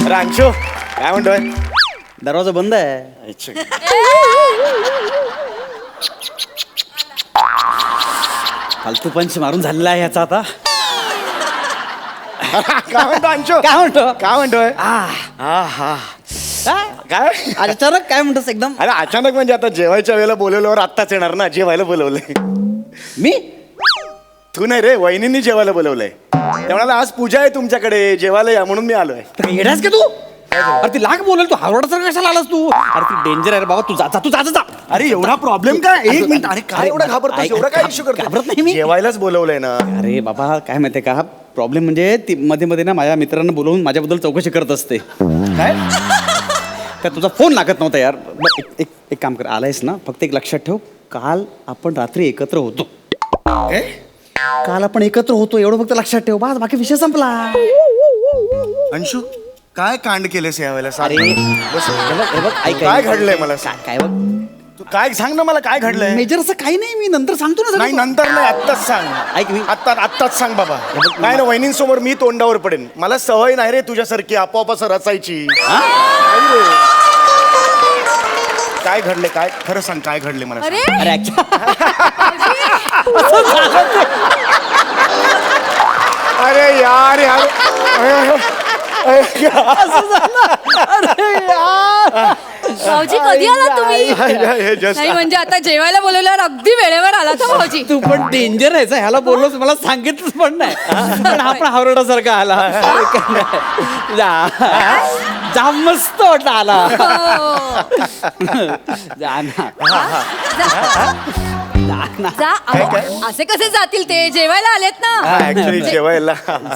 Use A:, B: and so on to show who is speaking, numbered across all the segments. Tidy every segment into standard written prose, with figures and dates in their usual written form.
A: रांचो काय म्हणतोय?
B: दरवाजा बंद आहे. फालतू पंच मारून झालेला आहे याचा आता.
A: काय म्हणतो अंशो?
B: काय म्हणतो?
A: काय म्हणतोय? काय
B: आज अचानक काय म्हणतोस एकदम?
A: अरे अचानक म्हणजे आता जेवायच्या वेळेला बोलवल्यावर आत्ताच येणार ना, जेवायला बोलवलंय.
B: मी
A: तू नाही रे, वहिनींनी जेवायला बोलवलंय. ते म्हणाला आज पूजा आहे तुमच्याकडे, जेवायला या म्हणून मी आलोय.
B: येडास का तू? अरे ती लाख बोलेल, तू हावरडासारखा कशाला आलास तू? अरे ती डेंजर आहे रे बाबा, तू जा तू जा जा.
A: अरे एवढा प्रॉब्लेम काय? एक मिनिट. अरे काय एवढा घाबरतोस? एवढा काय इश्यू करतो?
B: घाबरत नाही मी.
A: जेवायलाच बोलवलंय ना.
B: अरे बाबा काय माहितीये का, प्रॉब्लेम म्हणजे ती मध्ये मध्ये ना माझ्या मित्रांना बोलवून माझ्याबद्दल चौकशी करत असते.
A: काय?
B: तर तुझा फोन लागत नव्हता यार. एक काम कर, आलायस ना, फक्त एक लक्षात ठेव, काल आपण रात्री एकत्र होतो. काल आपण एकत्र होतो एवढं फक्त लक्षात ठेव, बस बाकी विषय संपला.
A: अंशू काय कांड केलेस यावेळेला?
B: अरे
A: बस.
B: हे बघ, ऐक,
A: काय घडलंय मला सांग.
B: काय बघ,
A: तू काय सांग ना मला, काय घडलंय?
B: मेजर असं काही नाही, मी नंतर सांगतो ना
A: नाही
B: सगळं.
A: नंतर नाही, आत्ताच सांग.
B: ऐक मी
A: आत्ताच सांग बाबा. काय ना, वहिनींसमोर मी तोंडावर पडेन. मला सवय नाही रे तुझ्यासारखी आपोआप असं रचायची. नाही रे. काय घडले? काय खरं सांग, काय घडले मला सांग.
B: अरे
A: अरे यार यार
C: भाऊजी कधी आला तुम्ही?
A: हे just-
C: नाही म्हणजे आता जेवायला बोलवल्यावर अगदी वेळेवर आला तर भाऊजी.
B: तू पण डेंजर आहेस, ह्याला बोललोस, मला सांगितलंच पण नाही. पण आपण हावरडासारखा आला. जा मस्त वाटला आला. जा ना.
C: जा असे कसे जातील ते? जेवायला आलेत ना.
A: ऍक्च्युली जेवायला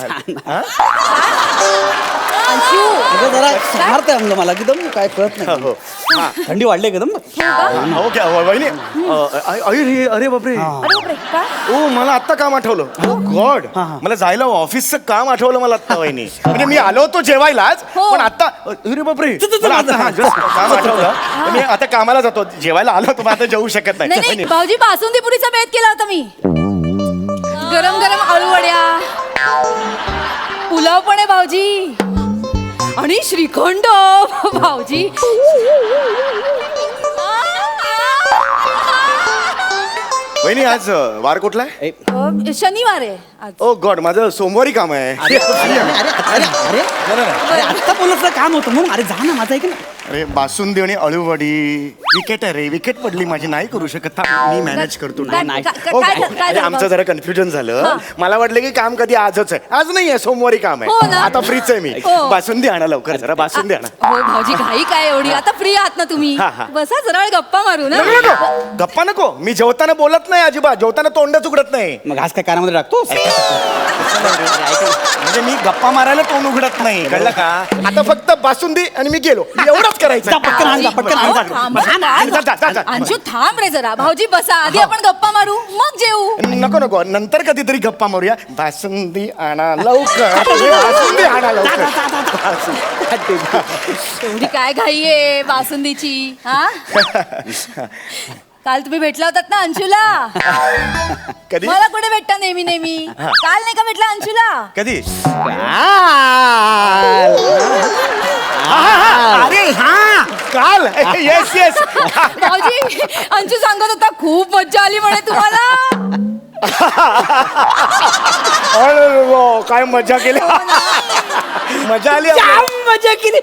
C: अंशू
B: अगं जरा सारखं म्हणलं मला एकदम काय कळत
A: हो.
B: नाही. थंडी वाढली एकदम.
A: हो क्या वहिनी? अरे बापरे.
C: अरे बापरे, काय?
A: ओ मला आत्ता काम आठवलं. ओ गॉड, मला जायला ऑफिसचं काम आठवलं मला आत्ता वहिनी. म्हणजे मी आलो होतो जेवायलाच,
C: हो.
A: पण आता अरे बापरे मला आता just काम आठवलं. मी आता कामाला जातो, जेवायला आलो होतो, पण आता जेवू शकत
C: नाही
A: नाही.
C: नाही भाऊजी, बासुंदी पुरीचा बेत केला होता मी. गरम गरम आळूवड्या, पुलाव पण आहे भाऊजी, आणि श्रीखंड भाऊजी.
A: वहिनी आज वार कुठला आहे?
C: शनिवार आहे आज.
A: ओ गॉड, माझं सोमवारी काम आहे.
B: अरे आत्ता बोलत काम होतं म्हणून. अरे जा ना, माझा ऐक ना.
A: अरे बासुंदी आणि अळूवडी. विकेट आहे रे, विकेट पडली माझी, नाही करू शकत. मी मॅनेज करतो.
C: काय-
B: नाही.
C: काय-
A: ओ,
C: काय-
A: अरे,
C: काय झालं
A: आमचं जरा कन्फ्युजन झालं. मला वाटलं की काम कधी आजच आहे. आज नाही आहे, सोमवारी काम
C: हो
A: आहे.
C: ना.
A: आता फ्रीच आहे मी.
C: हो.
A: बासुंदी आणा लवकर, जरा बासुंदी आणा.
C: हो भाऊजी, घाई काय एवढी? आता फ्री आहात ना तुम्ही?
A: हा, हा.
C: बसा जरा वेळ गप्पा मारू ना.
A: नको. गप्पा नको. मी जेवताना बोलत नाही अजिबात, जेवताना तोंडच उघडत नाही.
B: मग घास काय कानामध्ये टाकतोस?
A: म्हणजे मी गप्पा मारायला तोंड उघडत नाही, कळलं का? आता फक्त बासुंदी आणि मी गेलो, एवढंच करायचं.
B: जा, पटकन आण, जा, पटकन आण, जा.
C: अंशू थांब रे जरा. भाऊजी बसा, आधी आपण गप्पा मारू मग जेवू.
A: नको नको, नंतर कधीतरी गप्पा मारूया. बासुंदी आणा लवकर. बासुंदी आणा लवकर.
C: एवढी काय घाई आहे बासुंदीची? हा, काल तुम्ही भेटला होतात ना अंशूला?
A: कधी?
C: मला कुठे भेटता नेहमी नेहमी? काल नाही का भेटला अंशूला?
A: कधी?
B: काल.
A: अरे हा, काल. Yes yes.
C: भाऊजी, अंशू सांगत होता खूप मज्जा आली म्हणे तुम्हाला.
A: अरे वा, काय मजा केली. मजा आली.
B: जाम मजा केली.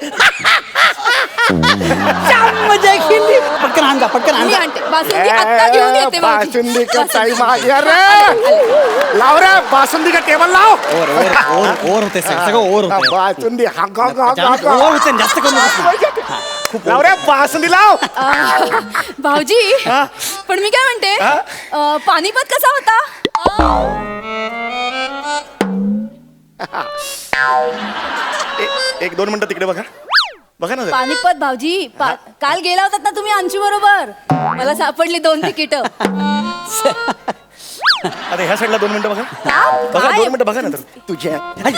B: जाम मजा केली. पटकन आण, जा, पटकन आण,
C: मी
B: जा.
C: आणते बासुंदी, आत्ता घेऊन येते भाऊजी.
A: बासुंदी का टाइम आ गया रे. लाव रे बासुंदी का टेबल लाव.
B: ओव्हर होते सगळं ओव्हर होते.
A: बासुंदी हा
B: ओव्हर होते, जास्त करू नको.
A: लाव रे बासुंदी लाव.
C: भाऊजी, पण मी काय म्हणते, पानिपत कसा होता?
A: एक दोन मिनिटं तिकडे बघा. बघा ना जरा.
C: पानिपत भाऊजी, काल गेला होतात ना तुम्ही अंशू बरोबर? मला सापडली 2 तिकीट.
A: आता ह्या साईडला 2 मिनिटं बघा बघा
C: काय?
A: 2 मिनिटं बघा ना तर तुझ्या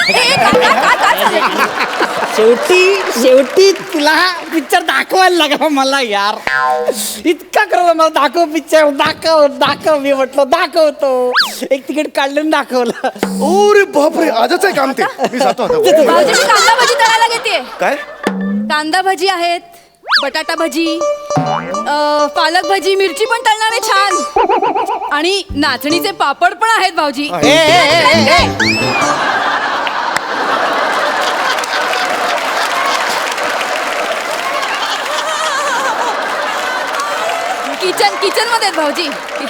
B: शेवटी तुला पिक्चर दाखवायला लागला मला यार. इतका करत मला दाखव पिक्चर दाखव मी म्हटलं दाखवतो. एक तिकीट काढलं दाखवलं.
A: ओरे बापरे आजच आहे काम ते मी जातो आता.
C: भाऊजी मी कांदा भजी तळायला घेते.
A: काय
C: कांदा भजी आहेत, बटाटा भजी, पालक भजी, मिरची पण तळणार आहे छान, आणि नाचणीचे पापड पण आहेत भाऊजी. किचन मध्ये आहेत भाऊजी.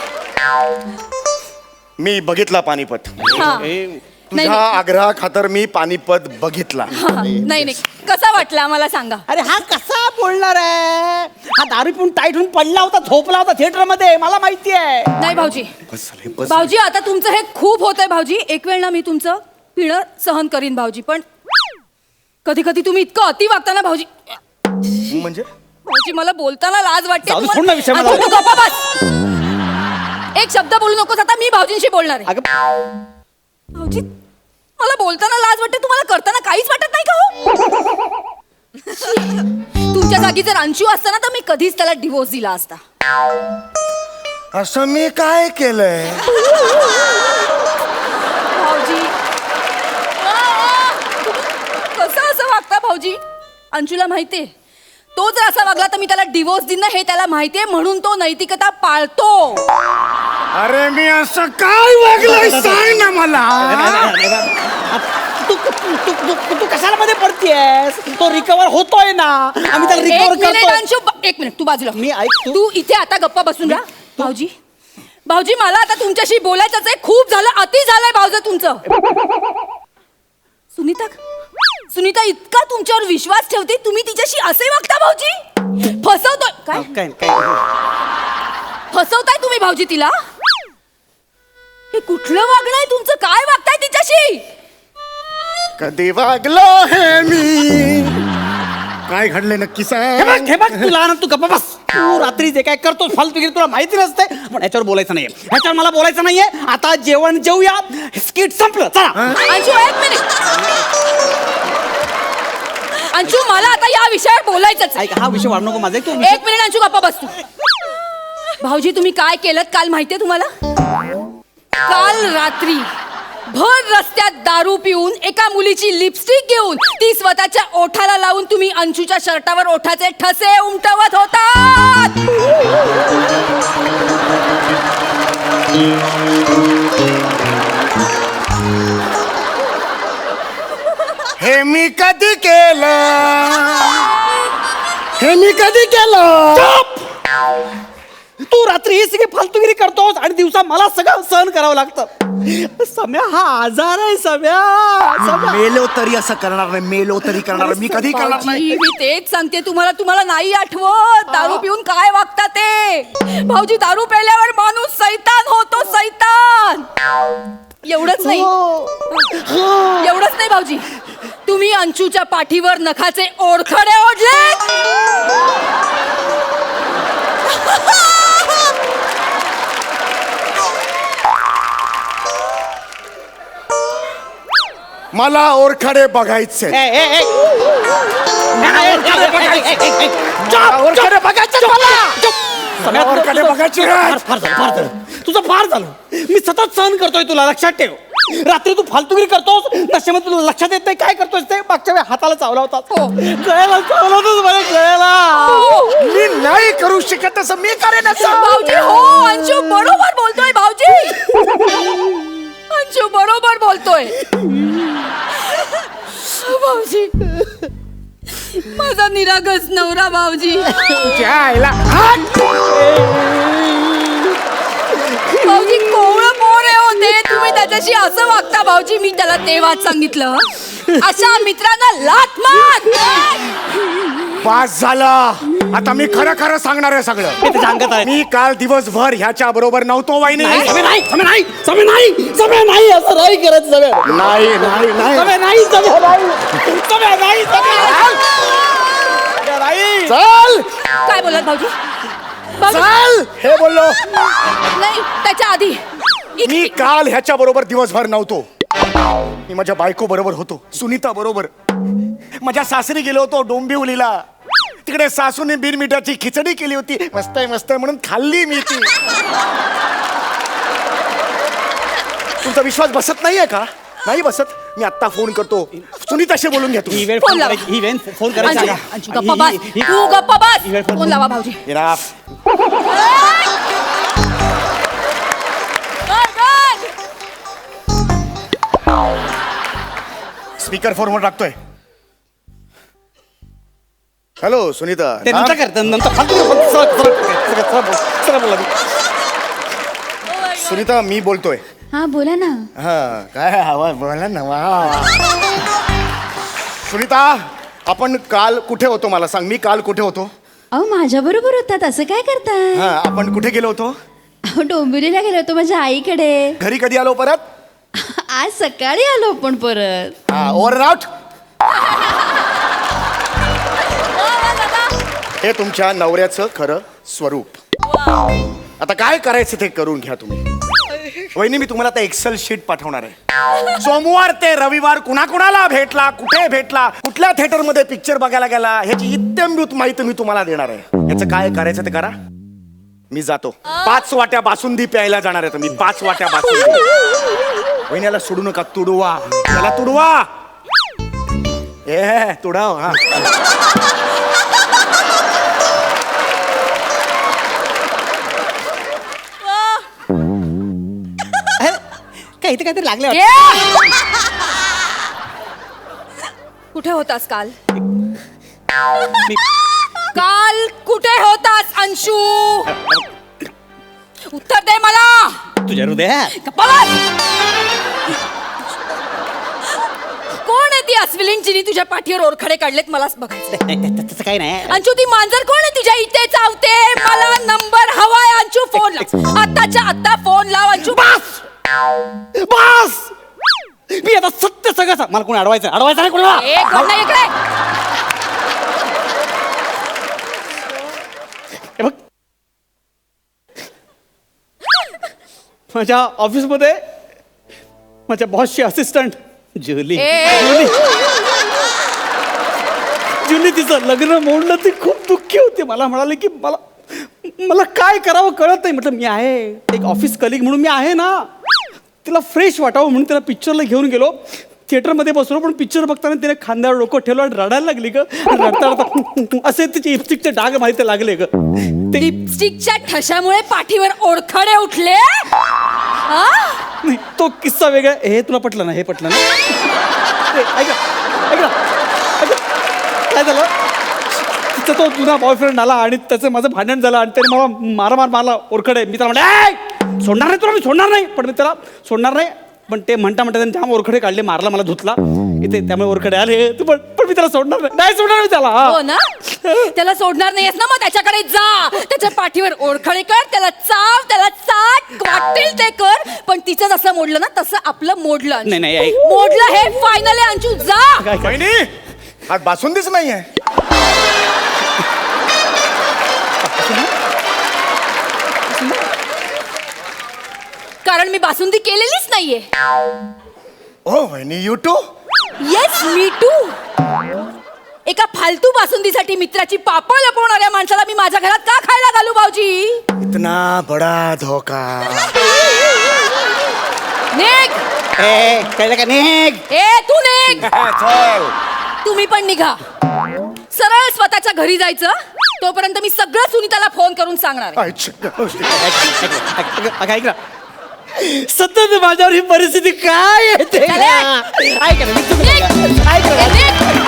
A: मी बघितला पानिपत.
C: हा. नाही,
A: तुझ्या आग्रहा खातर मी पानिपत बघितला.
C: नाही कसा वाटला मला सांगा.
B: अरे हा कसा बोलणार आहे. हा दारू पिऊन टाईट होऊन पडला होता, झोपला होता थिएटर मध्ये, मला माहिती आहे.
C: नाही भाऊजी,
A: बस झाले, बस
C: भाऊजी आता तुमचं हे खूप होतंय भाऊजी. एक वेळ ना मी तुमचं पिणं सहन करीन भाऊजी, पण कधी कधी तुम्ही इतकं अति वागता ना भाऊजी.
A: म्हणजे
C: भाऊजी मला बोलताना लाज वाटते.
B: जाऊ दे, सोड ना विषय मला.
C: तू गप्पा बस. एक शब्द बोलू नकोस. आता मी भाऊजींशी बोलणार आहे.
B: अगं
C: भाऊजी मला बोलताना लाज वाटते, तुम्हाला करताना काहीच वाटत नाही का हो? तुमच्या जागी जर अंशू असता ना तर मी कधीच त्याला डिवोर्स दिला असता.
A: असं मी काय केलंय.
C: भाऊजी कसं असं वागता भाऊजी. अंशूला माहितीये तो जर असा वागला तर मी त्याला डिवोर्स देईन ना, हे त्याला माहितीये, म्हणून तो नैतिकता पाळतो.
A: अरे मी असं काय वागलोय सांग ना मला.
B: तू कशाला मध्ये पडतीयस. तो रिकवर होतोय ना, आम्ही त्याला रिकवर करतो.
C: अंशू एक मिनिट तू बाजूला.
B: मी ऐक
C: तू इथे आता गप्पा बसून राहा. भाऊजी भाऊजी मला आता तुमच्याशी बोलायचंच आहे. खूप झालं, अति झालंय भाऊजी तुमचं. सुनीता इतका तुमच्यावर विश्वास ठेवते, तुम्ही तिच्याशी असे वागता भाऊजी. फसवतोय काय फसवताय तुम्ही भाऊजी तिला. हे कुठलं वागणं आहे तुमचं. काय वागताय तिच्याशी.
A: कधी वागलो हे मी. काय घडले नक्की सांग.
B: हे बघ तुला ना, तू गप्पा बस. तू रात्री जे काय करतो फालतूगिरी तुला माहिती नसते, पण याच्यावर बोलायचं नाहीये. ह्याच्यावर मला बोलायचं नाहीये. आता जेवण जेवूया. स्किट संपलं. चला
C: अंशू एक मिनिट. अंशू मला आता या विषयावर बोलायचंच आहे.
B: ऐक, हा विषय वाढ नको माझा. तू
C: एक मिनिट अंशू गप्पा बस तू. भाऊजी तुम्ही काय केलं काल माहितीये तुम्हाला. काल रात्री भर रस्त्यात दारू पिऊन एका मुलीची लिपस्टिक घेऊन ती स्वतःच्या ओठाला लावून तुम्ही अंशूच्या शर्टावर ओठाचे ठसे उमटवत होतात.
A: हे मी कधी केलं. हे मी कधी केलं.
B: तू रात्री ही सगळी फालतूगिरी करतोस आणि दिवसा मला सगळं सहन करावं लागतं. सम्या हा आजार आहे. सम्या
A: मेलो तरी असं करणार नाही. मेलो तरी करणार मी कधी करणार नाही.
C: भाऊजी, मी तेच सांगते तुम्हाला नाही आठवत दारू पिऊन काय वागता ते. भाऊजी दारू प्यायल्यावर माणूस सैतान होतो. सैतान. एवढंच नाही भाऊजी, तुम्ही अंशूच्या पाठीवर नखाचे ओरखडे ओढले.
A: मला ओरखडे बघायचे. ओरखडे बघायचे मला. ओरखडे बघायचे.
B: फार झालं. तुझं फार झालं. मी सतत सहन करतोय तुला, लक्षात ठेव. रात्री तू फालतूगिरी करतोस, नशेमध्ये तुला लक्षात येत नाही काय करतोस ते. मागच्या वेळी हाताला चावला होता. गळ्याला चावला होतास मला. गळ्याला
A: मी नाही करू शकत असं. मी करेन असं.
C: भाऊजी हो अंशू बरोबर बोलतोय. भाऊजी अंशू बरोबर बोलतोय. भाऊजी माझा निरागस नवरा भाऊजी. भाऊजी कोवळं पोर आहे होते, तुम्ही त्याच्याशी असं वागता भाऊजी. मी त्याला तेव्हाच सांगितलं अशा मित्रांना लाथ मार.
A: पास झाला. आता मी खरं खरं सांगणार आहे सगळं.
B: सांगत आहे.
A: मी काल दिवसभर ह्याच्या बरोबर नव्हतो वाईनी.
B: नाही असं नाही करत.
A: नाही नाही नाही चल
C: काय बोलत भाऊजी.
A: चल हे बोललो.
C: नाही त्याच्या आधी
A: मी काल ह्याच्या बरोबर दिवसभर नव्हतो. मी माझ्या बायको बरोबर होतो, सुनीता बरोबर. माझ्या सासरी गेलो होतो डोंबिवलीला. तिकडे सासूने बिनमिठाची खिचडी केली होती, मस्त आहे मस्त आहे म्हणून खाल्ली मी ती. तुमचा विश्वास बसत नाहीये का? नाही बसत. मी आत्ता फोन करतो, सुनीताशी बोलून घ्या तुम्ही.
C: फोन लावा.
B: फोन करायचा
C: अंशू,
B: का?
C: अंशू, गप्पा बस. तू गप्पा बस. फोन लावा भाऊजी.
A: Enough. स्पीकर फोनवर टाकतोय. हॅलो सुनीता.
B: ते नंतर कर, ते नंतर सरळ बोला.
A: सुनीता मी बोलतोय.
D: हा बोला ना.
A: हा काय आवाज बोला ना. वा. सुनीता आपण काल कुठे होतो मला सांग. मी काल कुठे होतो?
D: अहो माझ्या बरोबर होतात, असं काय करताय?
A: हा आपण कुठे गेलो होतो?
D: अहो डोंबिवलीला गेलो होतो माझ्या आईकडे.
A: घरी कधी आलो परत?
D: आज सकाळी आलो आपण परत.
A: हा ओव्हर आउट. हे तुमच्या नवऱ्याचं खरं स्वरूप. आता काय करायचं ते करून घ्या तुम्ही. वहिनी मी तुम्हाला आता एक्सेल शीट पाठवणार आहे. सोमवार ते रविवार कुणाकुणाला भेटला, कुठे भेटला, कुठल्या थिएटर मध्ये पिक्चर बघायला गेला, ह्याची इत्यंभूत माहिती मी तुम्हाला देणार आहे. याचं काय करायचं ते करा. मी जातो. 5 वाट्या बासुंदी प्यायला जाणार आहे. मी 5 वाट्या बासुंदी. वहिनीला सोडू नका, तुडवा त्याला, तुडवा. ए तुडाव. हा
B: काय इथे काहीतरी लागले
C: ए! कुठे होतास काल? काल कुठे होतास अंशू? उत्तर दे मला.
B: तुझ्या हृदयात.
C: गप्पा बस. कोण आहे ती अस्विलीन जिनी तुझ्या पाठीवर ओरखडे काढलेत मलाच बघायचं.
B: तसं काही नाही.
C: अंशू ती मांजर कोण आहे तुझ्या इथे चावते? मला नंबर हवाय अंशू. फोन लाव आत्ताच्या आत्ता. फोन लाव अंशू.
B: बस बस. मी आता सत्य सगळं सांग. मला कोणी अडवायचं नाही कोणाला.
C: एक घडलं इकडे.
B: हे बघ, माझ्या ऑफिसमध्ये माझ्या बॉसची असिस्टंट जुली.
C: ए!
B: जुली तिचं लग्न मोडलं. ती खूप दुःखी होती. मला म्हणाली की मला काय करावं कळत नाही. म्हटलं मी आहे एक ऑफिस कलिग म्हणून मी आहे ना. तिला फ्रेश वाटावं म्हणून तिला पिक्चरला घेऊन गेलो. थिएटरमध्ये बसलो, पण पिक्चर बघताना तिने खांद्यावर डोकं ठेवलं आणि रडायला लागली ग. रडता रडता असे तिचे लिपस्टिकचे डाग माहिती लागले ग. ते
C: लिपस्टिकच्या ठशामुळे पाठीवर ओरखडे उठले. हा?
B: नाही, तो किस्सा वेगळा. हे तुला पटलं ना? हे पटलं ना? ऐक ना, काय झालं? तिचा तो जुना बॉयफ्रेंड आला आणि त्याचं माझं भांडण झालं आणि त्याने मला मारला ओरखडे. मी त्याला म्हणलं सोडणार नाही तुला, मी सोडणार नाही. पण मी त्याला सोडणार नाही. पण ते म्हणता त्याने जाम ओरखडे काढले, मारला, मला धुतला इथे, त्यामुळे ओरखडे आले. पण मी त्याला सोडणार नाही सोडणार मी त्याला.
C: हो ना? त्याला सोडणार नाहीयेस ना? मग त्याच्याकडे जा, त्याच्या पाठीवर ओरखडे कर, त्याला चाव, त्याला चाट, वाटेल ते कर. पण तिचं जसं मोडलं ना तसं आपलं मोडलं अंशू.
B: नाही, ऐक.
C: मोडलं हे फायनल आहे अंशू. जा.
A: वहिनी हा बासुंदीच नाही आहे.
C: कारण मी बासुंदी केलेलीच नाहीये.
A: ओ वहिनी you too.
C: Yes me too. एका फालतू बासुंदीसाठी मित्राची पापं लपवणाऱ्या माणसाला मी माझ्या घरात का खायला घालू भाऊजी?
A: इतना बडा धोका.
C: निघ.
B: कळलं का? निघ.
C: ए तू निघ.
A: चल.
C: तुम्ही पण निघा. सरळ स्वतःच्या घरी जायचं. तोपर्यंत मी सगळं सुनीताला फोन करून सांगणार आहे.
B: ऐक ना, सतत माझ्यावर ही परिस्थिती काय येते?
C: चले.
B: ऐक ना,
C: निघ.
B: ऐक ना.
C: निघ.